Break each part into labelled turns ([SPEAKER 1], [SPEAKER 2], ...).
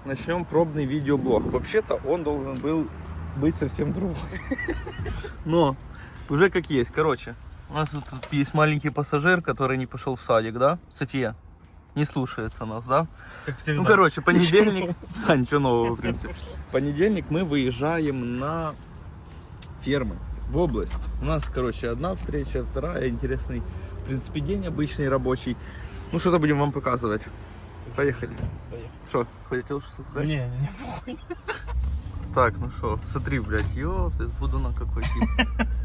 [SPEAKER 1] начнем пробный видеоблог. Вообще-то он должен был быть совсем другой. Но уже как есть. Короче, у нас тут есть маленький пассажир, который не пошел в садик, да? София не слушается нас, да?
[SPEAKER 2] Как всегда.
[SPEAKER 1] Ну, короче, понедельник. Да, ничего нового, в принципе. Понедельник мы выезжаем на фермы, в область. У нас, короче, одна встреча, вторая. Интересный, в принципе, день обычный, рабочий. Ну, что-то будем вам показывать. Поехали. Что, хотел что сказать?
[SPEAKER 2] Не, похуй.
[SPEAKER 1] Так, ну что, смотри, блядь, ёпты, с Будуна какой тип.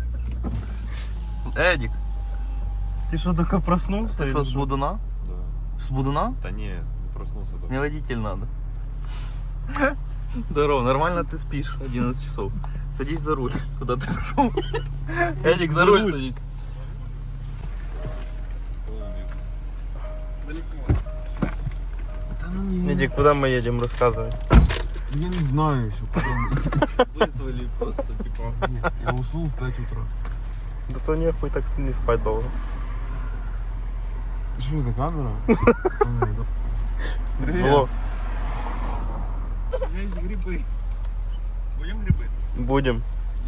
[SPEAKER 1] Эдик,
[SPEAKER 2] Ты что, только проснулся?
[SPEAKER 1] ты
[SPEAKER 2] или
[SPEAKER 1] что, с Будуна?
[SPEAKER 3] Да.
[SPEAKER 1] С Будуна?
[SPEAKER 3] Да не проснулся. Да.
[SPEAKER 1] Мне водитель надо. Здорово, нормально ты спишь 11 часов. Садись за руль. Куда ты пошел? Эдик, за руль садись.
[SPEAKER 2] Эдик, куда мы едем, рассказывай.
[SPEAKER 3] Я не знаю еще, потом.
[SPEAKER 1] Вызвали просто, типа.
[SPEAKER 3] Я уснул в 5 утра.
[SPEAKER 2] Да то нехуй так не спать долго.
[SPEAKER 3] Что это, камера?
[SPEAKER 2] Влог.
[SPEAKER 1] У меня есть грибы. Будем грибы?
[SPEAKER 2] Будем.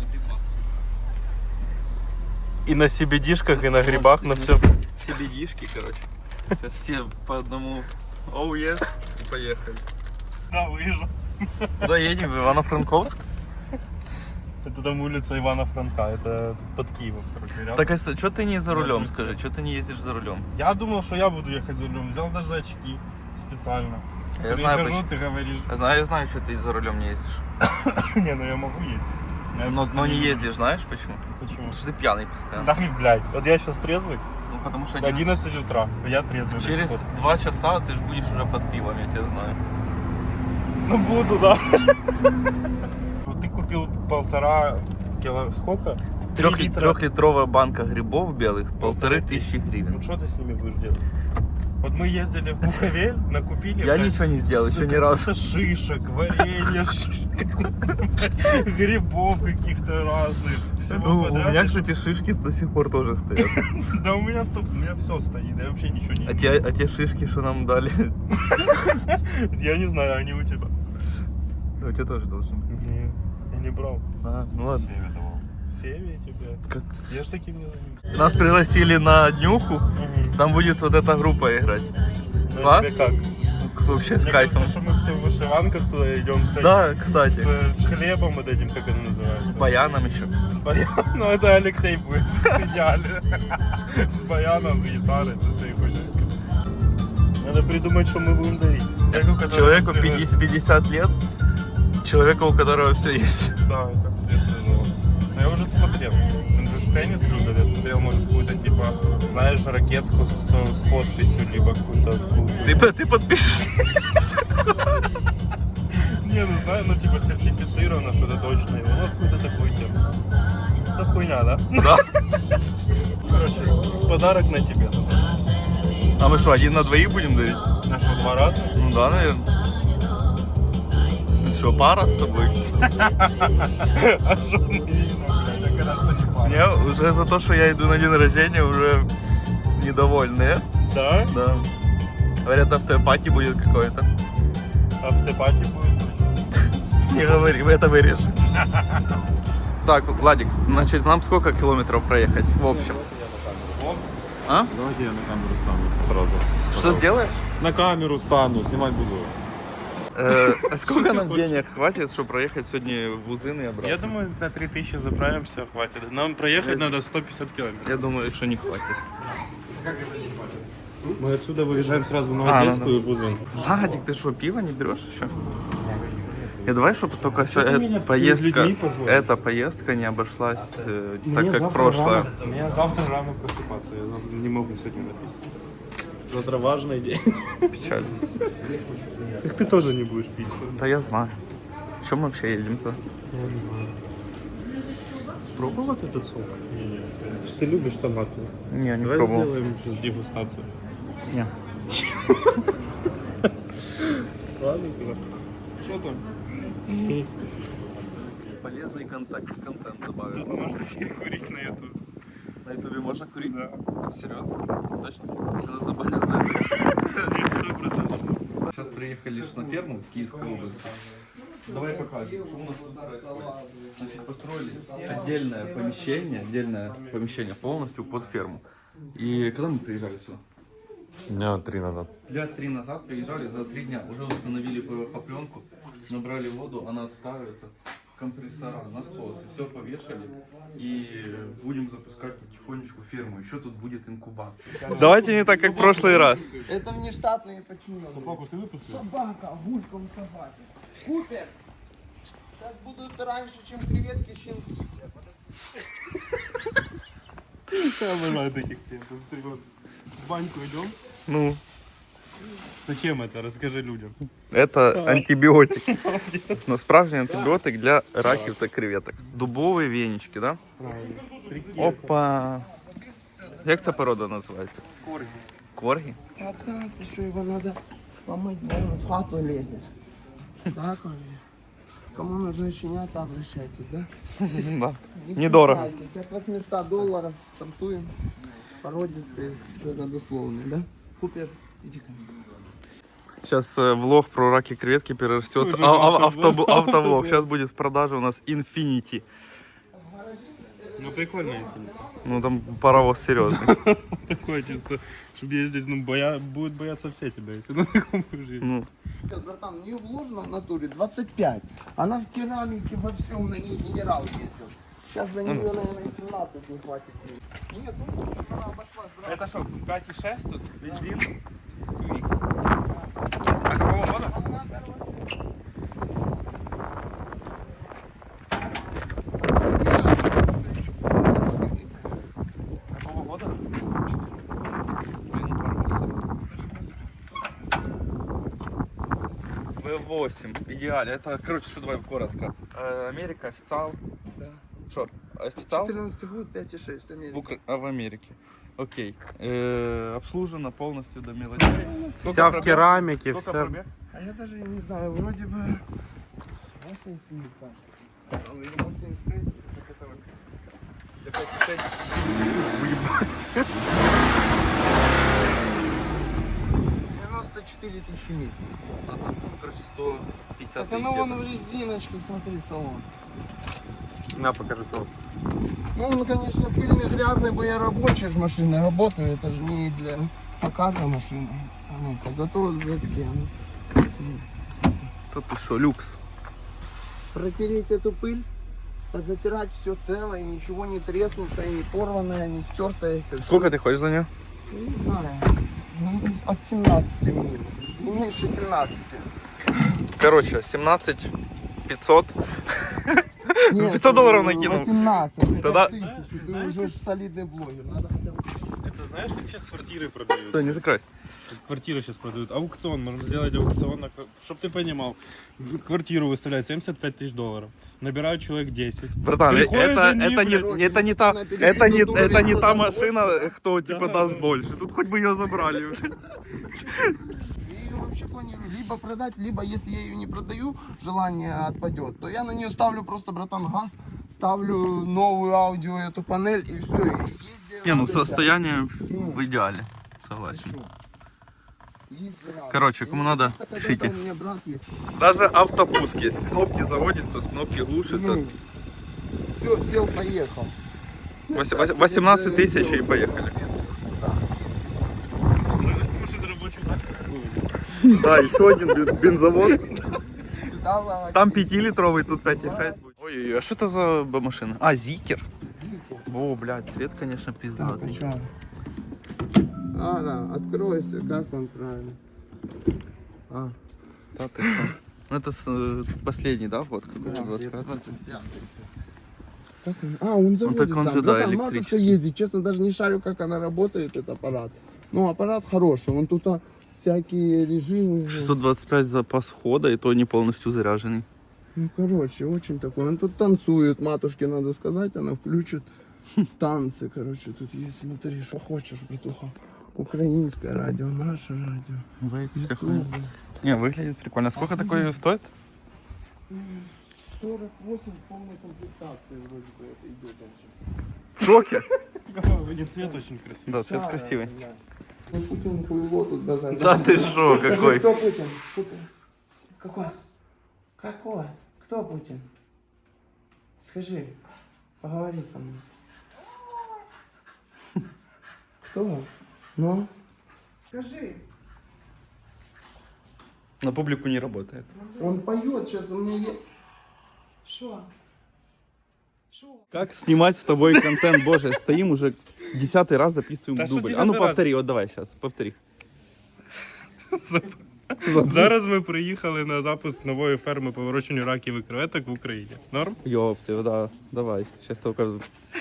[SPEAKER 2] И на CBD-шках, и на грибах, на всем.
[SPEAKER 1] CBD-шки, короче. Сейчас все по одному. Оу, yes. И поехали.
[SPEAKER 2] Да, выезжал.
[SPEAKER 1] Куда едем? В Ивано-Франковск?
[SPEAKER 2] Это там улица Ивана Франка, это тут под Киевом, короче, рядом.
[SPEAKER 1] Так, а что ты не за рулем, скажи? Что ты не ездишь за рулем?
[SPEAKER 2] Я думал, что я буду ехать за рулем, взял даже очки специально.
[SPEAKER 1] Я знаю,
[SPEAKER 2] Прихожу,
[SPEAKER 1] почему.
[SPEAKER 2] ты говоришь,
[SPEAKER 1] Я знаю, что ты за рулем не ездишь.
[SPEAKER 2] не, ну я могу ездить. Я
[SPEAKER 1] Но
[SPEAKER 2] просто
[SPEAKER 1] не ездишь, знаешь почему?
[SPEAKER 2] Почему?
[SPEAKER 1] Потому что ты пьяный постоянно.
[SPEAKER 2] Да, блядь, вот я сейчас трезвый,
[SPEAKER 1] Ну, потому что
[SPEAKER 2] 11 утра, я трезвый. до
[SPEAKER 1] через
[SPEAKER 2] сих пор.
[SPEAKER 1] 2 часа ты же будешь уже под пивом, я тебя знаю.
[SPEAKER 2] Ну буду, да. Вот ты купил 1,5 кило, сколько? 3 литра.
[SPEAKER 1] Трехлитровая банка грибов белых, 1500
[SPEAKER 2] Ну
[SPEAKER 1] гривен.
[SPEAKER 2] что ты с ними будешь делать? Вот мы ездили в Буковель, накупили.
[SPEAKER 1] Я
[SPEAKER 2] блядь,
[SPEAKER 1] ничего не сделал, еще ни разу.
[SPEAKER 2] Шишек, варенья, грибов каких-то разных. Всего
[SPEAKER 1] Ну, у
[SPEAKER 2] подряд.
[SPEAKER 1] меня, кстати, шишки до сих пор тоже стоят.
[SPEAKER 2] Да у меня все стоит, я вообще ничего не
[SPEAKER 1] А те шишки, что нам дали,
[SPEAKER 2] Я не знаю, они у тебя.
[SPEAKER 1] у тебя тоже должны быть.
[SPEAKER 2] Не, я не брал.
[SPEAKER 1] А, ну ладно.
[SPEAKER 3] Севе давал.
[SPEAKER 2] Севе тебя.
[SPEAKER 1] Как?
[SPEAKER 2] Я ж таким не займусь.
[SPEAKER 1] Нас пригласили на днюху, там будет вот эта группа играть.
[SPEAKER 2] Ну,
[SPEAKER 1] Класс?
[SPEAKER 2] тебе как?
[SPEAKER 1] Вообще с
[SPEAKER 2] Мне
[SPEAKER 1] кайфом.
[SPEAKER 2] кажется, что мы все в вышиванках туда идем с,
[SPEAKER 1] Да, кстати.
[SPEAKER 2] с хлебом вот этим, как оно называется.
[SPEAKER 1] С баяном еще.
[SPEAKER 2] Ну это Алексей будет в идеале. С баяном, с гитарой, с этой хуйней. Надо придумать, что мы будем дарить.
[SPEAKER 1] Человеку 50 лет, человеку, у которого все есть.
[SPEAKER 2] Да, это естественно. Но я уже смотрел. Он же теннис любит. Я смотрел, может, какую-то типа, знаешь, ракетку с подписью, либо какую-то.
[SPEAKER 1] Ты подпишешь?
[SPEAKER 2] Не, ну знаю, ну типа сертифицировано, что-то точное. Вот какую-то такую тему. Это хуйня, да?
[SPEAKER 1] Да.
[SPEAKER 2] Короче, подарок на тебе.
[SPEAKER 1] А мы что, один на двоих будем дарить?
[SPEAKER 2] На что, 2 раза?
[SPEAKER 1] Ну да, наверное. Что, пара с тобой?
[SPEAKER 2] А что мы видим, блядь, я конечно не пара.
[SPEAKER 1] Мне уже за то, что я иду на день рождения, уже недовольны.
[SPEAKER 2] Да?
[SPEAKER 1] Да. Говорят, автопати будет какой-то.
[SPEAKER 2] Автопати будет?
[SPEAKER 1] Не говори, это вырежешь. Так, Владик, значит, нам сколько километров проехать в общем? А?
[SPEAKER 3] Давайте я на камеру стану сразу.
[SPEAKER 1] Что сделаешь?
[SPEAKER 3] На камеру стану, снимать буду.
[SPEAKER 1] Сколько нам денег хватит, чтобы проехать сегодня в Узын и обратно?
[SPEAKER 2] Я думаю, на 3000 заправимся, хватит. Нам проехать надо 150 километров.
[SPEAKER 1] Я думаю, что не хватит.
[SPEAKER 2] Мы отсюда выезжаем сразу на
[SPEAKER 1] А,
[SPEAKER 2] Одесскую и Бузын.
[SPEAKER 1] Владик, ты что, пиво не берешь еще? И давай, чтобы только
[SPEAKER 2] Что ты меня
[SPEAKER 1] поездка,
[SPEAKER 2] перед людьми позвал?
[SPEAKER 1] эта поездка не обошлась так, как прошлая.
[SPEAKER 2] Мне завтра рано просыпаться, я не могу сегодня напить. Завтра важный день.
[SPEAKER 1] Печально.
[SPEAKER 2] Так ты тоже не будешь пить.
[SPEAKER 1] Да я знаю. Чем мы вообще едем-то?
[SPEAKER 2] Я не знаю. Пробовать этот сок? Не. Ты любишь томатный.
[SPEAKER 1] Не, не
[SPEAKER 2] Давай
[SPEAKER 1] пробовал.
[SPEAKER 2] сделаем сейчас дегустацию.
[SPEAKER 1] Не.
[SPEAKER 2] Ладно, тогда. Что там?
[SPEAKER 1] Полезный контент добавил.
[SPEAKER 2] Тут можно перекурить на YouTube.
[SPEAKER 1] На ютубе можно курить?
[SPEAKER 2] Да.
[SPEAKER 1] Серьезно? Точно? Если нас забанят за это.
[SPEAKER 2] Нет, 100%.
[SPEAKER 1] Сейчас приехали ж на ферму в Киевскую область. Давай покажем, что у нас тут происходит. Значит, построили отдельное помещение полностью под ферму. И когда мы приезжали сюда?
[SPEAKER 3] Дня 3 назад.
[SPEAKER 1] Дня 3 назад приезжали, за 3 дня уже установили ПВХ-пленку, набрали воду, она отстаивается, компрессора, насосы, все повешали и будем запускать потихонечку ферму. Еще тут будет инкубатор. Давайте не так, как в прошлый раз.
[SPEAKER 4] Это внештатные подчиненные. Собаку ты выпустил? Собака, гульком собаки. Купер! Сейчас будут раньше, чем креветки, щенки.
[SPEAKER 2] Я обожаю таких клиентов. Смотри, вот в баньку идем.
[SPEAKER 1] Ну,
[SPEAKER 2] Зачем это? Расскажи людям.
[SPEAKER 1] это антибіотик. Насправді антибіотик для раків та креветок. Дубові венички, да? Опа. Як ця порода називається?
[SPEAKER 2] Корги.
[SPEAKER 1] Корги?
[SPEAKER 4] А да, ты что, его надо помыть, наверное, в хату лезет. Да, Коля? Кому нужны щенята, обращайтесь, да?
[SPEAKER 1] Да. Недорого.
[SPEAKER 4] От $800 стартуем. Породистые с родословной, да? Купер, иди ко мне.
[SPEAKER 1] Сейчас влог про раки и креветки перерастет
[SPEAKER 2] Уже
[SPEAKER 1] автовлог. Сейчас будет в продаже у нас Infinity.
[SPEAKER 2] Ну прикольно, если
[SPEAKER 1] Ну там паровоз серьезный.
[SPEAKER 2] такое чисто, чтобы ездить, ну будут бояться все тебя, если на таком будешь ездить.
[SPEAKER 1] Ну,
[SPEAKER 4] Братан, у нее вложено в натуре 25. Она в керамике во всем, на ней генерал ездил. Сейчас за нее, наверное, 17 не хватит. Нет, ну она обошлась, брат.
[SPEAKER 1] это что, Кати 6 тут? Бензин? UX. А какого года?
[SPEAKER 4] Она, короче,
[SPEAKER 1] Какого года? Блин, паровоз. V8, идеально. Это, короче, что давай коротко. Америка, официал.
[SPEAKER 4] Да.
[SPEAKER 1] Что, официал?
[SPEAKER 4] 14 год, 5,6 Америка.
[SPEAKER 1] В Америке. Окей. Обслужена полностью до мелочей.
[SPEAKER 2] Вся в керамике,
[SPEAKER 1] Сколько
[SPEAKER 2] вся.
[SPEAKER 1] пробег?
[SPEAKER 4] А я даже не знаю, вроде бы 87, кажется. Или 86, это вот.
[SPEAKER 1] Для 5,6.
[SPEAKER 4] 94 тысячи миль.
[SPEAKER 1] Короче, 150
[SPEAKER 4] Так
[SPEAKER 1] тысяч
[SPEAKER 4] она вон
[SPEAKER 1] где-то.
[SPEAKER 4] в резиночке, смотри, салон.
[SPEAKER 2] На, покажи салон.
[SPEAKER 4] Ну, он, конечно, пыльный, грязный, бо я рабочая ж машина, работаю, это же не для показа машины. А ну-ка, зато задки, а ну. Смотри.
[SPEAKER 1] Да ты что, люкс.
[SPEAKER 4] Протереть эту пыль, позатирать все целое, ничего не треснутое, не порванное, не стертое.
[SPEAKER 1] Сколько ты хочешь за нее?
[SPEAKER 4] Не знаю. Ну, от 17 минут. Не меньше 17.
[SPEAKER 1] Короче, 17 500.
[SPEAKER 4] Нет,
[SPEAKER 1] 500 долларов накинул.
[SPEAKER 4] 18.
[SPEAKER 1] Тогда-
[SPEAKER 4] Тогда... Ты уже ж солидный блогер. Надо хотя бы...
[SPEAKER 2] Это знаешь, как сейчас квартиры продают?
[SPEAKER 1] Все, не закрой.
[SPEAKER 2] Квартиры сейчас продают. Аукцион, можно сделать аукцион, чтобы ты понимал. Квартиру выставляют $75 000. Набирают человек 10.
[SPEAKER 1] Братан,
[SPEAKER 2] Приходят
[SPEAKER 1] это
[SPEAKER 2] они,
[SPEAKER 1] не та машина, кто типа даст больше. Тут хоть бы ее забрали уже.
[SPEAKER 4] Я ее вообще планирую либо продать, либо если я ее не продаю, желание отпадет, то я на нее ставлю просто, братан, газ, ставлю новую аудио, эту панель и все.
[SPEAKER 1] Не, ну состояние в идеале. Согласен. Короче, кому надо, пишите.
[SPEAKER 4] У меня брат есть.
[SPEAKER 1] Даже автопуск есть. Кнопки заводятся, с кнопки глушится.
[SPEAKER 4] Все, сел, поехал.
[SPEAKER 1] 18 тысяч и поехали. Да, еще один бензовоз.
[SPEAKER 4] Сюда ловать.
[SPEAKER 1] Там 5-литровый, тут 5,6 будет. Ой, а что это за машина? А, Зикер. О, блядь, цвет, конечно,
[SPEAKER 4] Так,
[SPEAKER 1] пиздатый.
[SPEAKER 4] а что? Ага, откройся, как он правильно. А,
[SPEAKER 1] Да ты что? Ну это последний, да, вот?
[SPEAKER 4] да,
[SPEAKER 1] 25?
[SPEAKER 4] 25. Как он? А, он заводит
[SPEAKER 1] так он
[SPEAKER 4] сам.
[SPEAKER 1] же, да,
[SPEAKER 4] Братан, матушка
[SPEAKER 1] электрический.
[SPEAKER 4] ездит. Честно, даже не шарю, как она работает, этот аппарат. Ну, аппарат хороший. Он тут всякие режимы.
[SPEAKER 1] 625 запас хода, и то не полностью заряженный.
[SPEAKER 4] Ну, короче, очень такой. Он тут танцует, матушке надо сказать, она включит танцы, короче, тут есть, смотри, что хочешь, братуха. Украинское радио, наше радио.
[SPEAKER 1] Вся
[SPEAKER 4] YouTube.
[SPEAKER 1] хуйня. Не, выглядит прикольно. Сколько такое стоит?
[SPEAKER 4] 48 в полной комплектации вроде бы это идет там сейчас.
[SPEAKER 1] В шоке.
[SPEAKER 2] Цвет очень красивый.
[SPEAKER 1] Да, цвет красивый.
[SPEAKER 4] Ну, Путин хуйло тут базарит.
[SPEAKER 1] Да ты шо,
[SPEAKER 4] Скажи,
[SPEAKER 1] какой?
[SPEAKER 4] кто Путин? Путин. Какой? Какой? Кто Путин? Скажи, поговори со мной. Кто? Ну? Скажи.
[SPEAKER 1] На публику не работает.
[SPEAKER 4] Он поет сейчас, у меня есть...
[SPEAKER 5] Що? Що?
[SPEAKER 1] Как снимать с тобой контент, боже, стоим уже 10-й раз записываем
[SPEAKER 2] Да что
[SPEAKER 1] дубль. А ну
[SPEAKER 2] 10-й раз?
[SPEAKER 1] повтори, вот давай сейчас, повтори.
[SPEAKER 2] Зараз ми приїхали на запуск нової ферми по вирощуванню раків і креветок в Україні. Норм?
[SPEAKER 1] Ёпты, да, давай, сейчас только...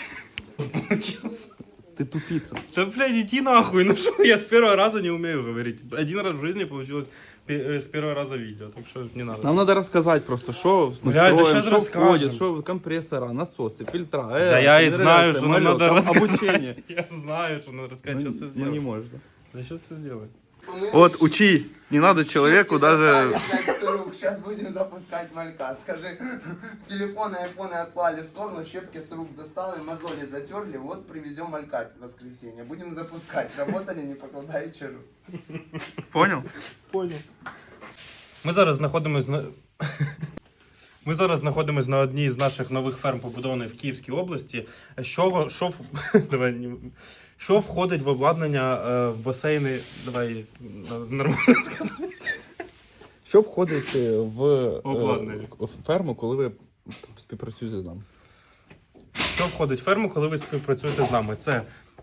[SPEAKER 1] Ты тупица.
[SPEAKER 2] Да, блядь, иди нахуй, ну что, я с первого раза не умею говорить. Один раз в жизни получилось с первого раза видео, так что не надо.
[SPEAKER 1] Нам надо рассказать просто, что мы
[SPEAKER 2] Блядь, да
[SPEAKER 1] строим,
[SPEAKER 2] щас
[SPEAKER 1] что
[SPEAKER 2] расскажем.
[SPEAKER 1] входит, что компрессора, насосы, фильтра,
[SPEAKER 2] Да я и знаю, что нам надо рассказать.
[SPEAKER 1] обучение.
[SPEAKER 2] Я знаю, что надо рассказать, сейчас все
[SPEAKER 1] Ну
[SPEAKER 2] сделаем.
[SPEAKER 1] не можешь, да.
[SPEAKER 2] Да сейчас все сделаем.
[SPEAKER 1] Вот, учись, не надо человеку даже...
[SPEAKER 4] Сейчас будем запускать малька. Скажи, телефоны, айфоны отклали в сторону, щепки с рук достали, мозоли затерли, вот привезем малька в воскресенье. Будем запускать. Работали, не покладая чару.
[SPEAKER 1] Понял?
[SPEAKER 2] Понял. Ми зараз знаходимось на... Ми зараз знаходимось на одній з наших нових ферм, побудованих в Київській області. Давай, що входить в обладнання в басейни? Давай нормально сказати.
[SPEAKER 1] Що входить в
[SPEAKER 2] Обладнання.
[SPEAKER 1] в ферму, коли ви співпрацюєте з нами?
[SPEAKER 2] Що входить в ферму, коли ви співпрацюєте з нами? Це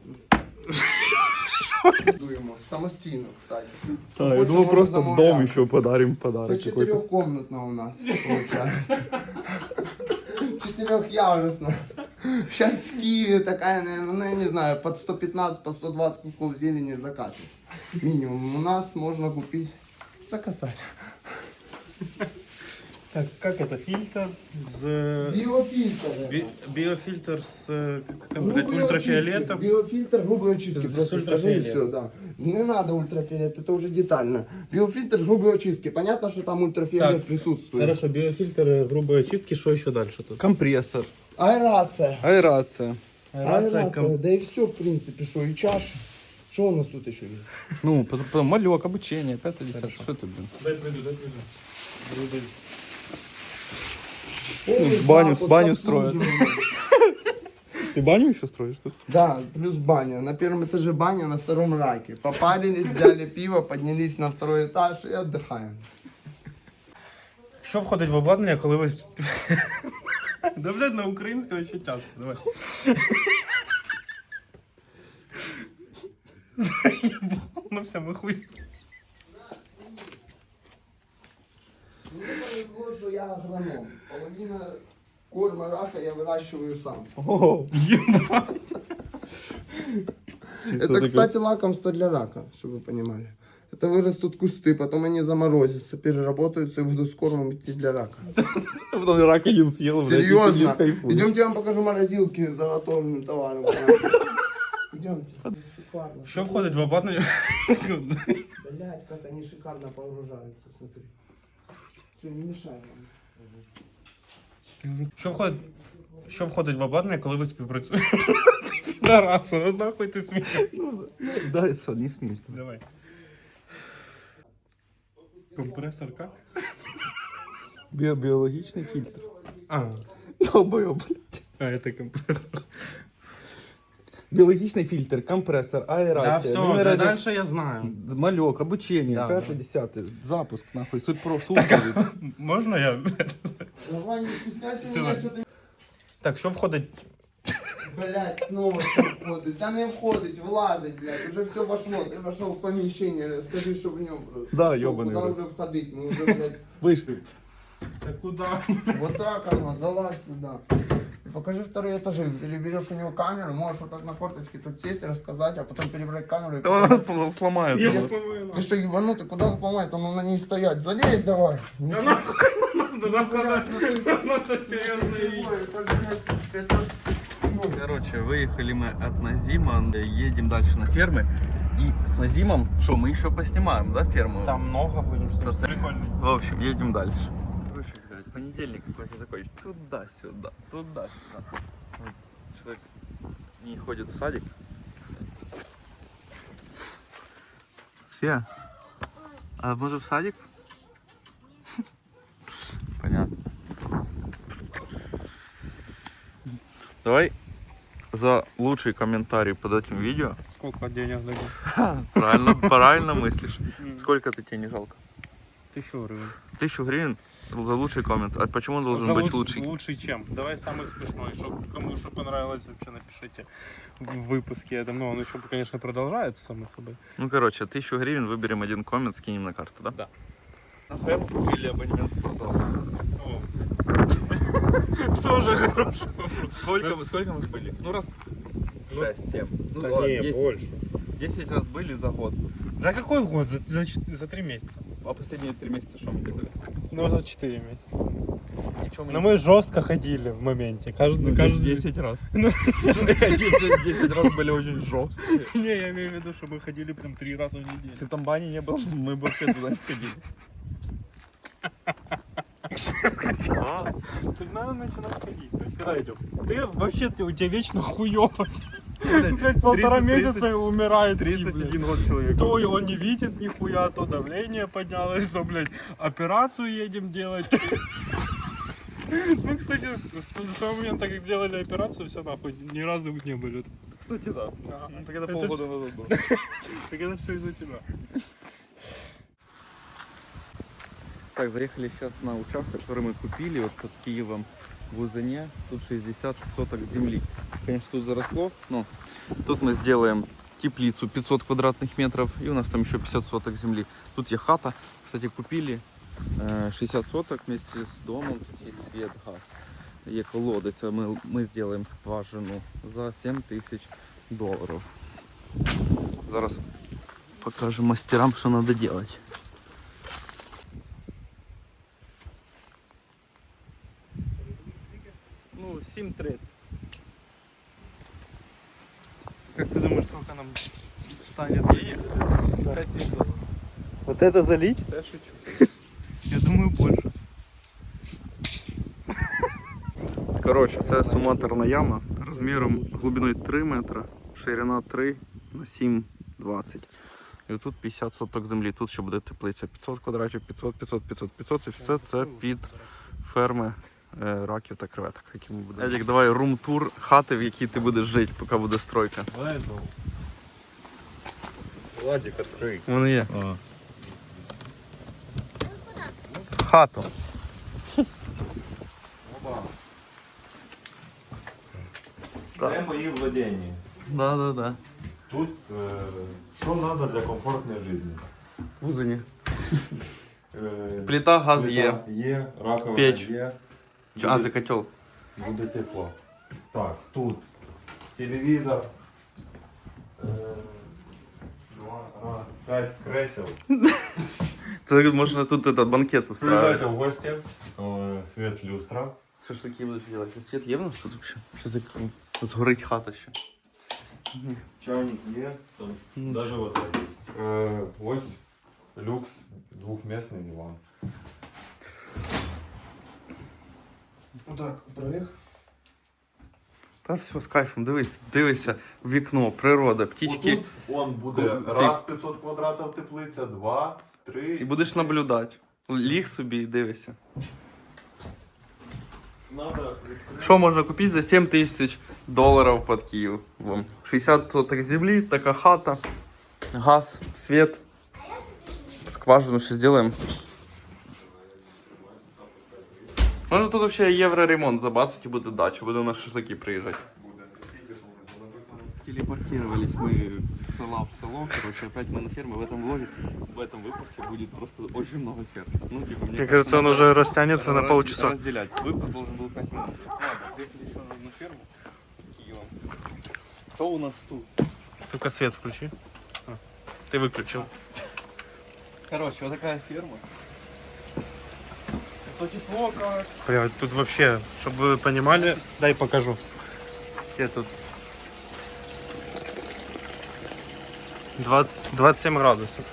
[SPEAKER 4] Дуємо самостійно, кстати.
[SPEAKER 1] А,
[SPEAKER 4] я думал, просто дом
[SPEAKER 1] еще подарим
[SPEAKER 4] Это
[SPEAKER 1] подарок
[SPEAKER 4] четырехкомнатно у нас получается. Четырехъярусно. Сейчас в Киеве такая, наверное, ну я не знаю, под 115, по 120 кубков зелени закатит. Минимум. У нас можно купить за косарь.
[SPEAKER 2] так, як це? Фільтр з...
[SPEAKER 4] Биофильтр. это.
[SPEAKER 2] Біофільтр з
[SPEAKER 4] Грубой
[SPEAKER 2] ультрафіолетом.
[SPEAKER 4] очистки. Биофильтр грубой очистки.
[SPEAKER 2] С
[SPEAKER 4] Просто скажи и
[SPEAKER 2] ультрафиолетом.
[SPEAKER 4] все, да. Не надо ультрафиолет, это уже детально. Биофильтр грубой очистки. Понятно, что там ультрафиолет
[SPEAKER 2] Так,
[SPEAKER 4] присутствует.
[SPEAKER 2] Хорошо, біофільтр грубої очистки, що ще далі тут?
[SPEAKER 1] Компрессор,
[SPEAKER 4] Аэрация.
[SPEAKER 1] аэрация.
[SPEAKER 4] Аэрация, да и все, в принципе, что и чаша. Что у нас тут еще есть?
[SPEAKER 1] Ну, потом малек, обучение, 5-10. Что ты, блин?
[SPEAKER 2] Дай прийду.
[SPEAKER 1] баню строят. Ты баню еще строишь тут?
[SPEAKER 4] Да, плюс баня. На первом этаже баня, на втором раке. Попарились, взяли пиво, поднялись на второй этаж и отдыхаем.
[SPEAKER 2] Що входить в обладнання, коли ви... Да, блядь, на українському ще часто, давай. Ну все, ми хуй.
[SPEAKER 4] Мне повезло, что я агроном. Половина корма рака я выращиваю сам. Это, кстати, лакомство для рака, чтобы вы понимали. Это вырастут кусты, потом они заморозятся, переработаются и будут с кормом идти для рака.
[SPEAKER 1] Потом рак один съел,
[SPEAKER 4] Серьезно? Идемте, я вам покажу морозилки с заготовленным товаром. Идемте. Шикарно.
[SPEAKER 2] Що входить в обладнання?
[SPEAKER 4] Блять, как они шикарно погружаются, смотри. Все, не мешай нам.
[SPEAKER 2] Що входить в обладнання, коли ви співпрацюєте? Підараса, ну нахуй ти смієш.
[SPEAKER 1] Да, все, не смейся.
[SPEAKER 2] Давай. Компресор как?
[SPEAKER 1] Биологичный фильтр.
[SPEAKER 2] А,
[SPEAKER 1] Долбоёб, блядь.
[SPEAKER 2] это компрессор.
[SPEAKER 1] Биологичный фильтр, компрессор,
[SPEAKER 2] Да,
[SPEAKER 1] аэрация,
[SPEAKER 2] все, дальше я знаю.
[SPEAKER 1] малек, обучение,
[SPEAKER 2] Да,
[SPEAKER 1] 5-10, запуск, нахуй, суть про супер.
[SPEAKER 2] Можна я?
[SPEAKER 4] Давай, не стесняйся меня,
[SPEAKER 2] Давай.
[SPEAKER 4] что ты...
[SPEAKER 2] Так, що входить?
[SPEAKER 4] Блять, снова что входит. Да не входить, влазить, блять. Уже все вошло. Ты вошел в помещение, скажи, что в нем просто.
[SPEAKER 1] Да,
[SPEAKER 4] Шо,
[SPEAKER 1] ёбаный
[SPEAKER 4] Куда
[SPEAKER 1] рот.
[SPEAKER 4] уже входить? Мы уже, блядь,
[SPEAKER 1] Вышли.
[SPEAKER 2] Так куда?
[SPEAKER 4] вот так оно, залазь сюда. И покажи второй этаж. Или берешь у него камеру, можешь вот так на форточке тут сесть, рассказать, а потом перебрать камеру и показать.
[SPEAKER 1] Он сломает.
[SPEAKER 2] Я
[SPEAKER 1] его.
[SPEAKER 2] сломаю
[SPEAKER 4] Ты что, ебанутый, куда он сломает? Он на ней стоять. Залезь давай.
[SPEAKER 2] Да нахуй, надо серьезно
[SPEAKER 1] Короче, выехали мы от Назима, едем дальше на фермы. И с Назимом, что, мы еще поснимаем, да, ферму?
[SPEAKER 2] Там много будем снимать.
[SPEAKER 1] Просто-
[SPEAKER 2] Прикольный.
[SPEAKER 1] В общем, едем дальше. Слушай, блядь, понедельник какой-то такой, туда-сюда, туда-сюда. Вот человек не ходит в садик. Фея? А может в садик? Понятно. Давай за лучший комментарий под этим видео.
[SPEAKER 2] Сколько денег дадим?
[SPEAKER 1] Правильно мыслишь. Сколько это тебе не жалко?
[SPEAKER 2] 1000 гривен.
[SPEAKER 1] 1000 гривен за лучший коммент. А почему он должен быть лучший?
[SPEAKER 2] Лучший чем? Давай самый смешной. Кому что понравилось, вообще напишите в выпуске. Я думаю, он еще, конечно, продолжается, само собой.
[SPEAKER 1] Ну, короче, 1000 гривен, выберем один коммент, скинем на карту, да?
[SPEAKER 2] Да.
[SPEAKER 1] На ферму купили абонемент в спортзал.
[SPEAKER 2] Тоже хороший.
[SPEAKER 1] Сколько мы были? Ну, раз 6-7. Ну,
[SPEAKER 2] Да
[SPEAKER 1] ладно,
[SPEAKER 2] не,
[SPEAKER 1] 10.
[SPEAKER 2] больше.
[SPEAKER 1] 10 раз были за год.
[SPEAKER 2] За какой год? За 3 месяца.
[SPEAKER 1] А последние 3 месяца что мы делали?
[SPEAKER 2] Ну, за 4 месяца.
[SPEAKER 1] Ничего
[SPEAKER 2] Но мы жестко ходили в моменте. Каждый
[SPEAKER 1] 10 раз. 10 раз были очень жесткие.
[SPEAKER 2] Не, я имею в виду, что мы ходили прям 3 раза в неделю.
[SPEAKER 1] Если там бани не было, мы бы вообще туда не ходили.
[SPEAKER 2] Тут надо начинать ходить. То есть, когда идем? У тебя вечно хуёво. Блять, 1,5 месяца умирает.
[SPEAKER 1] 31 год человек.
[SPEAKER 2] То он не видит нихуя, то давление поднялось, то, блядь, операцию едем делать. Ну, кстати, с того момента, как делали операцию, все нахуй, ни разу не были.
[SPEAKER 1] Кстати, да.
[SPEAKER 2] Ну,
[SPEAKER 1] так это полгода назад было.
[SPEAKER 2] Так это все из-за тебя.
[SPEAKER 1] Так, заехали сейчас на участок, который мы купили вот под Киевом в Узыне. Тут 60 соток земли. Конечно, тут заросло, но тут мы сделаем теплицу 500 квадратных метров. И у нас там еще 50 соток земли. Тут есть хата. Кстати, купили 60 соток вместе с домом. Тут есть свет, газ. И колодец. Мы сделаем скважину за $7000. Зараз покажем мастерам, что надо делать. Ну, 7:30.
[SPEAKER 2] Как ты думаешь, сколько нам станет денег?
[SPEAKER 1] 5000.
[SPEAKER 2] Вот это залить?
[SPEAKER 1] Я шучу.
[SPEAKER 2] Я думаю, больше.
[SPEAKER 1] Коротше, це сумоторна яма розміром глибиною 3 метри, ширина 3 на 7,20. І тут 50 соток землі. Тут ще буде теплиця 500 квадратів, 500, 500, 500, 500. І все це під ферми раків та креветок, які ми будемо. Едік, давай рум-тур хати, в якій ти будеш жити, поки буде стройка.
[SPEAKER 3] Владик, открой.
[SPEAKER 1] Вони є.
[SPEAKER 3] А.
[SPEAKER 1] Хату.
[SPEAKER 3] Це мої владення.
[SPEAKER 1] Да.
[SPEAKER 3] Тут що треба для комфортної життя?
[SPEAKER 1] В Узині. Плита, газ є.
[SPEAKER 3] Є, раковина
[SPEAKER 1] Печ.
[SPEAKER 3] є.
[SPEAKER 1] А, це котел.
[SPEAKER 3] Буде тепло. Так, тут телевізор. 5 кресел.
[SPEAKER 1] Це можна тут этот банкет устраивать.
[SPEAKER 3] Приезжайте в гости. Свет люстра.
[SPEAKER 1] Шашлыки будешь делать. Свет є в нас тут вообще? Сейчас згорить хата ще.
[SPEAKER 3] Чайник є. Там даже вот это есть. Ось люкс, двухместный диван.
[SPEAKER 4] Вот так, пролег.
[SPEAKER 1] Та все з кайфом, дивися в вікно, природа, птічки.
[SPEAKER 3] Тут он буде раз 500 квадратів теплиця, 2, 3.
[SPEAKER 1] І будеш наблюдати. Ліг собі і дивишся.
[SPEAKER 3] Надо
[SPEAKER 1] Що можна купити за $7000 під Києвом? 60 соток землі, така хата, газ, світ, скважину ще зробимо. Може тут взагалі євроремонт забацать і буде дача, буде на шашлики приїжджати. Телепортировались мы с села в село, короче, опять мы на ферме. В этом влоге, в этом выпуске будет просто очень много ферм. Ну, типа,
[SPEAKER 2] Мне кажется, он уже растянется на полчаса.
[SPEAKER 1] Разделять. Выпуск должен был 5 минут. Ладно, приехали еще на ферму под Киевом. Что у нас тут?
[SPEAKER 2] Только свет включи. Ты выключил.
[SPEAKER 1] Короче, вот такая ферма. Это тепло, короче.
[SPEAKER 2] Бля, тут вообще, чтобы вы понимали, дай покажу. Где тут? 27 градусов.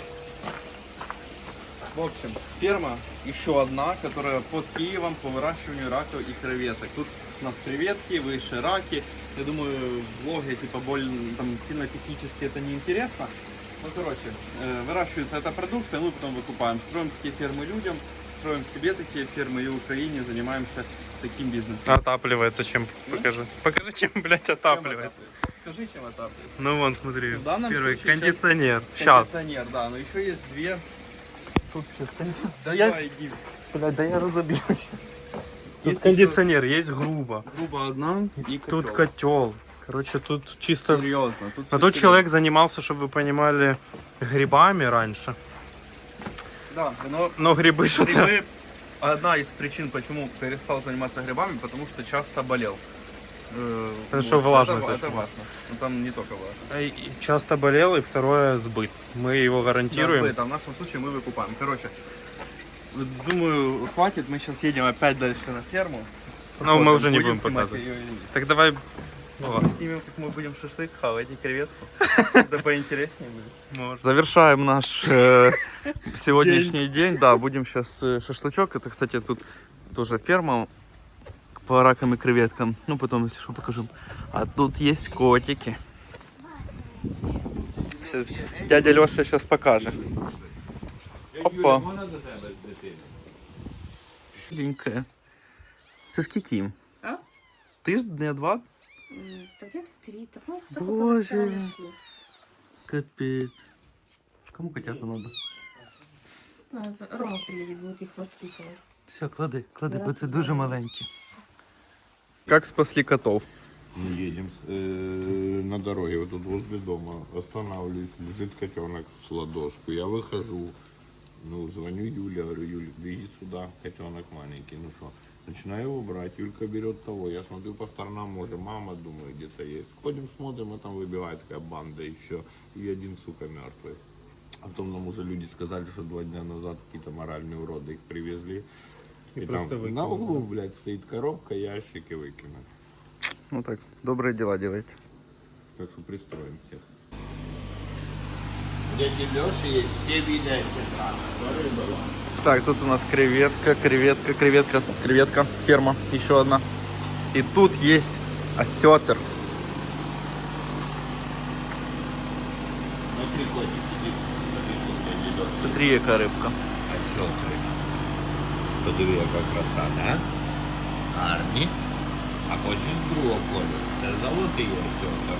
[SPEAKER 1] В общем, ферма еще одна, которая под Киевом по выращиванию раков и креветок. Тут у нас креветки, выше раки. Я думаю, влоги типа более там сильно технически это не интересно. Ну, короче, выращивается эта продукция, мы потом выкупаем. Строим такие фермы людям, строим себе такие фермы и в Украине занимаемся таким бизнесом.
[SPEAKER 2] Отапливается чем? Покажи. Покажи, чем, блядь, отапливается.
[SPEAKER 1] Скажи, чем отапливается.
[SPEAKER 2] Ну вон, смотри.
[SPEAKER 1] В данном
[SPEAKER 2] Первый
[SPEAKER 1] случае
[SPEAKER 2] кондиционер. Сейчас.
[SPEAKER 1] Кондиционер, да, но еще есть две.
[SPEAKER 2] Тут сейчас кондиционер. Да
[SPEAKER 1] Давай, иди.
[SPEAKER 2] Блядь, да я разобью. Тут
[SPEAKER 1] Есть
[SPEAKER 2] кондиционер, есть грубо.
[SPEAKER 1] Грубо одна и
[SPEAKER 2] Тут
[SPEAKER 1] котел.
[SPEAKER 2] котел. Короче, тут чисто...
[SPEAKER 1] Серьезно. Тут
[SPEAKER 2] Но тот человек занимался, чтобы вы понимали, грибами раньше.
[SPEAKER 1] Да, но
[SPEAKER 2] Но грибы что-то...
[SPEAKER 1] грибы одна из причин, почему перестал заниматься грибами, потому что часто болел.
[SPEAKER 2] Потому что влажность
[SPEAKER 1] Это
[SPEAKER 2] очень.
[SPEAKER 1] важно. Но там не только важно.
[SPEAKER 2] И часто болел, и второе сбыт. Мы его гарантируем.
[SPEAKER 1] Да, в нашем случае мы выкупаем. Короче, думаю, хватит. Мы сейчас едем опять дальше на ферму.
[SPEAKER 2] Но мы уже не
[SPEAKER 1] Будем
[SPEAKER 2] будем
[SPEAKER 1] снимать
[SPEAKER 2] показывать.
[SPEAKER 1] её или нет.
[SPEAKER 2] Так давай... Ну,
[SPEAKER 1] Мы
[SPEAKER 2] ладно.
[SPEAKER 1] снимем, как мы будем шашлык хавать и креветку. Это поинтереснее будет.
[SPEAKER 2] Может.
[SPEAKER 1] Завершаем наш сегодняшний день. Да, будем сейчас шашлычок. Это, кстати, тут тоже ферма по ракам и креветкам. Ну, потом, если что, покажу. А тут есть котики. Сейчас дядя Леша сейчас покажет. Опа. Шленькая. Це скільки їм?
[SPEAKER 5] А?
[SPEAKER 1] Тиждень, два?
[SPEAKER 5] Да где-то 3, такой, только
[SPEAKER 1] Боже.
[SPEAKER 5] позавчера нашли.
[SPEAKER 1] Капец. Кому котята надо?
[SPEAKER 5] Ну, это Рома приедет, будет их воспитывать.
[SPEAKER 1] Все, клади,
[SPEAKER 5] Да.
[SPEAKER 1] бо це дуже маленькі. Как спасли котов?
[SPEAKER 3] Мы едем на дороге, вот тут возле дома, останавливаюсь, лежит котенок с ладошку, я выхожу, ну, звоню Юле, говорю, Юля, беги сюда, котенок маленький, ну что, начинаю его брать, Юлька берет того, я смотрю по сторонам, может, мама, думаю, где-то есть, ходим, смотрим, а там выбегает такая банда еще, и один, сука, мертвый. А потом нам уже люди сказали, что 2 дня назад какие-то моральные уроды их привезли, и там
[SPEAKER 2] просто
[SPEAKER 3] на
[SPEAKER 2] выкинули.
[SPEAKER 3] углу, блядь, стоит коробка, ящики выкинули.
[SPEAKER 1] Ну так, добрые дела делайте.
[SPEAKER 3] Так что пристроим всех.
[SPEAKER 6] Дяди Леши есть все виды
[SPEAKER 1] Так, тут у нас креветка, ферма, еще одна. И тут есть осетр.
[SPEAKER 6] Смотри, котик, иди. Смотри, тут дяди Леши.
[SPEAKER 1] Смотри, яка рибка.
[SPEAKER 6] А що це? Подиви, яка краса, да? Гарні. А хочеш другого кольору? Це золотий осьотер.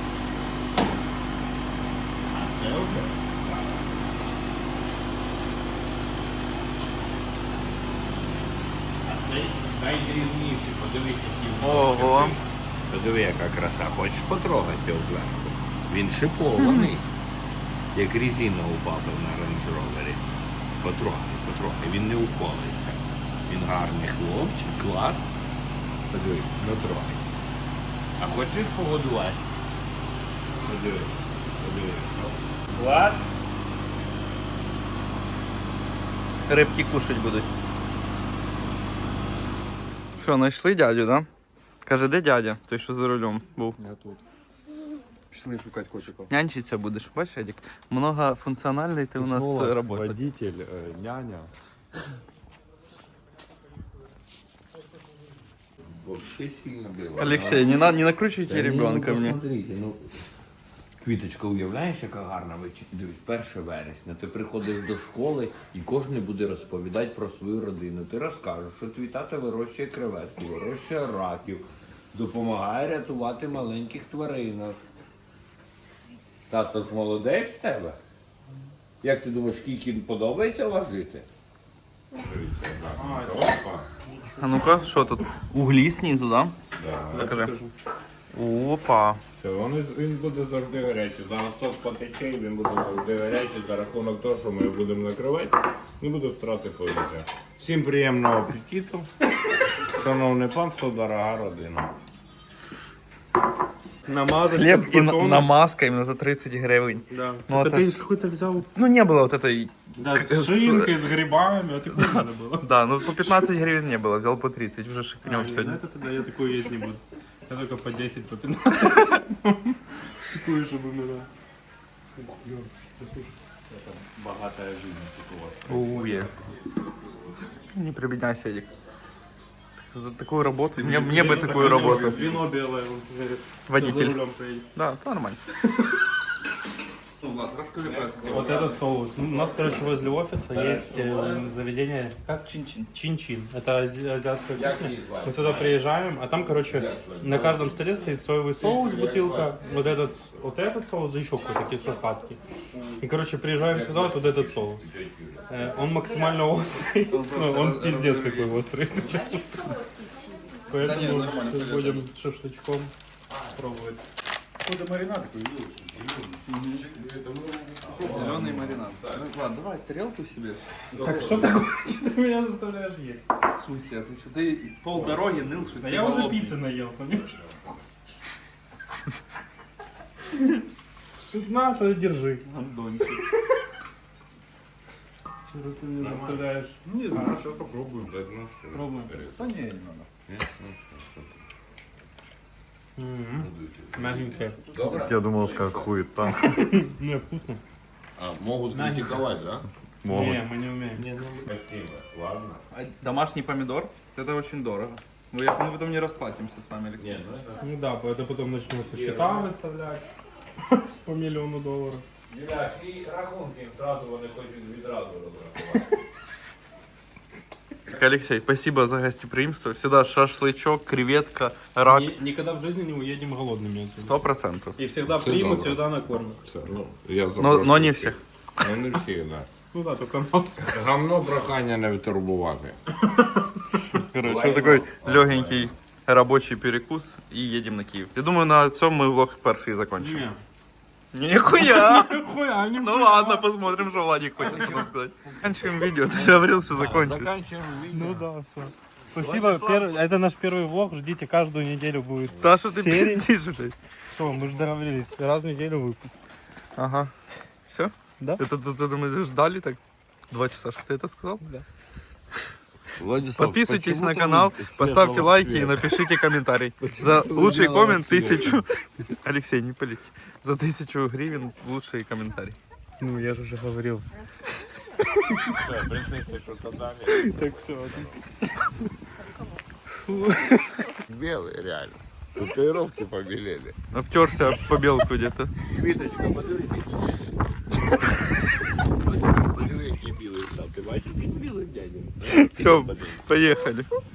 [SPEAKER 6] А це вже? Так. А цей найдрібніший, подивись, який.
[SPEAKER 1] Ого.
[SPEAKER 6] Подиви, яка краса. Хочеш потрогати його зверху? Він шипований. Як резина упала на Range Rover. Потрохай, він не уколиться. Він гарний хлопчик, клас. Подиви, не трогай. А хочеш погодувати? Подиви. Клас?
[SPEAKER 1] Рибки кушать будуть. Що, знайшли дядю, да? Каже, де дядя? Той, що за рулем був.
[SPEAKER 7] Я тут. Пішли шукати котиків.
[SPEAKER 1] Нянчиться будеш, бачиш, Едік? Многофункціональний ти у нас працюєш.
[SPEAKER 7] водитель, няня.
[SPEAKER 6] Вообще сильно было.
[SPEAKER 1] Алексей, не накручуйте
[SPEAKER 6] Та ні,
[SPEAKER 1] ребенка
[SPEAKER 6] ну,
[SPEAKER 1] мне.
[SPEAKER 6] посмотрите, ну, Квіточка, уявляєш, яка гарна вечір? Дивись, 1 вересня. Ти приходиш до школи і кожен буде розповідати про свою родину. Ти розкажеш, що твій тато вирощує креветки, вирощує раків, допомагає рятувати маленьких тваринок. Тато ж молодець в тебе? Як ти думаєш, скільки подобається важити?
[SPEAKER 1] А ну-ка, що тут? Углі знизу, да? Покажи. Опа.
[SPEAKER 3] Все, він буде завжди гарячий. Зараз сок потече і він буде завжди гарячий за рахунок того, що ми його будемо накривати, не буде втрати повітря. Всім приємного апетиту. Шановне панство, дорога родина.
[SPEAKER 2] Намазать
[SPEAKER 1] Хлеб
[SPEAKER 2] с
[SPEAKER 1] и
[SPEAKER 2] батоном.
[SPEAKER 1] намазка именно за 30 гривен.
[SPEAKER 2] Да.
[SPEAKER 1] Ну,
[SPEAKER 2] Так
[SPEAKER 1] это
[SPEAKER 2] ты
[SPEAKER 1] ж-
[SPEAKER 2] какой-то взял,
[SPEAKER 1] Ну не было вот этой...
[SPEAKER 2] да, с шинкой, с грибами, а ты куда надо было?
[SPEAKER 1] Да, ну по 15 гривен не было, взял по 30, уже шикнем
[SPEAKER 2] А,
[SPEAKER 1] сегодня.
[SPEAKER 2] это тогда я такой есть не буду. Я только по 10, по 15. Такую, чтобы умирал.
[SPEAKER 3] Багата життя у вас.
[SPEAKER 1] Yes. Не прибедняйся, Эдик. За такую работу, мне бы такую работу.
[SPEAKER 2] Вино белое, он говорит. За
[SPEAKER 1] Водитель.
[SPEAKER 2] рулем поедет.
[SPEAKER 1] Да, то нормально. Влад, расскажи про это.
[SPEAKER 2] Вот это соус. У нас, короче, возле офиса есть заведение, как?
[SPEAKER 1] Чин-чин.
[SPEAKER 2] Чин-чин. Это азиатская
[SPEAKER 6] Як
[SPEAKER 2] кухня.
[SPEAKER 6] її звати?
[SPEAKER 2] Мы туда приезжаем, а там, короче, на каждом столе стоит соевый соус, бутылка, вот этот соус и еще какой-то кисло-сладкий. И, короче, приезжаем сюда, вот этот соус. Он максимально острый, ну, он пиздец какой острый. Поэтому
[SPEAKER 1] нормально,
[SPEAKER 2] сейчас будем шашлычком пробовать.
[SPEAKER 1] Зеленый маринад. Ну, Влад, давай тарелку себе.
[SPEAKER 2] Так что такое? Что ты меня заставляешь есть?
[SPEAKER 1] В смысле, а ты что? Ты полдороги ныл, что
[SPEAKER 2] Да
[SPEAKER 1] ты
[SPEAKER 2] я уже
[SPEAKER 1] голодный.
[SPEAKER 2] пиццы наелся, не Тут на, то держи.
[SPEAKER 1] Гондончик.
[SPEAKER 2] Что ты меня заставляешь?
[SPEAKER 3] Не знаю, сейчас попробуем. Дать ножки.
[SPEAKER 2] Пробуем.
[SPEAKER 7] Да не, не надо.
[SPEAKER 3] Нет? Ну,
[SPEAKER 2] Мягенькое.
[SPEAKER 3] Добре.
[SPEAKER 7] Я думал, скажешь хуета.
[SPEAKER 2] Не, вкусно.
[SPEAKER 3] А, могут
[SPEAKER 2] На, не-
[SPEAKER 3] критиковать, да?
[SPEAKER 7] Могут.
[SPEAKER 2] Не, мы не умеем.
[SPEAKER 3] Не, ну, красиво. Ладно.
[SPEAKER 1] А домашний помидор, это очень дорого. Ну, если мы потом не расплатимся с вами, Алексей.
[SPEAKER 3] Не, ну это...
[SPEAKER 2] Ну да, это потом начнутся счета выставлять по миллиону долларов.
[SPEAKER 6] Юляш, і рахунки одразу вони хочуть відразу розрахувати.
[SPEAKER 1] Так, Алексей, спасибо за гостеприимство. Всегда шашлычок, креветка, рак.
[SPEAKER 2] Никогда в жизни не уедем голодными отсюда.
[SPEAKER 1] 100%.
[SPEAKER 2] И всегда
[SPEAKER 3] Всё
[SPEAKER 2] примут,
[SPEAKER 3] добро.
[SPEAKER 2] всегда накормят.
[SPEAKER 3] Все, ну, я
[SPEAKER 1] Но
[SPEAKER 3] запрошую
[SPEAKER 1] не всех.
[SPEAKER 3] Ну, не всіх, да.
[SPEAKER 2] Ну да, только нас.
[SPEAKER 3] Гамно прохання не витурбувати.
[SPEAKER 1] Короче, вот такой легенький рабочий перекус и едем на Киев. Я думаю, на цьому мы влог перший закончим.
[SPEAKER 2] Не.
[SPEAKER 1] Нихуя!
[SPEAKER 2] Хуя, не
[SPEAKER 1] Ну ладно, посмотрим, что Владик хочет нам сказать. Заканчиваем видео, ты же говорил, что закончишь.
[SPEAKER 3] Заканчиваем видео.
[SPEAKER 2] Ну да, все. Спасибо, это наш первый влог, ждите, каждую неделю будет.
[SPEAKER 1] Да, что ты
[SPEAKER 2] Серии.
[SPEAKER 1] пиздишь, блядь?
[SPEAKER 2] Что, мы же договорились, раз в неделю выпуск.
[SPEAKER 1] Ага. Все?
[SPEAKER 2] Да.
[SPEAKER 1] Это ты думаешь, ждали так 2 часа, что ты это сказал?
[SPEAKER 2] Да.
[SPEAKER 3] Владислав,
[SPEAKER 1] Подписывайтесь
[SPEAKER 3] почему
[SPEAKER 1] на
[SPEAKER 3] ты
[SPEAKER 1] канал,
[SPEAKER 3] светлого
[SPEAKER 1] поставьте лайки и
[SPEAKER 3] цвета?
[SPEAKER 1] напишите комментарий. За лучший коммент
[SPEAKER 3] цвета.
[SPEAKER 1] 1000... Алексей, не палите. За 1000 гривен лучший комментарий.
[SPEAKER 2] Ну, я же уже говорил.
[SPEAKER 3] Все, принеси, що казали.
[SPEAKER 2] Так все,
[SPEAKER 3] Белый, реально. Татуировки побелели.
[SPEAKER 1] Обтерся об побелку где-то.
[SPEAKER 3] Квіточка, подивись. Подиви, який білий став. Ти бачиш, який білий дядя?
[SPEAKER 1] Все, поехали.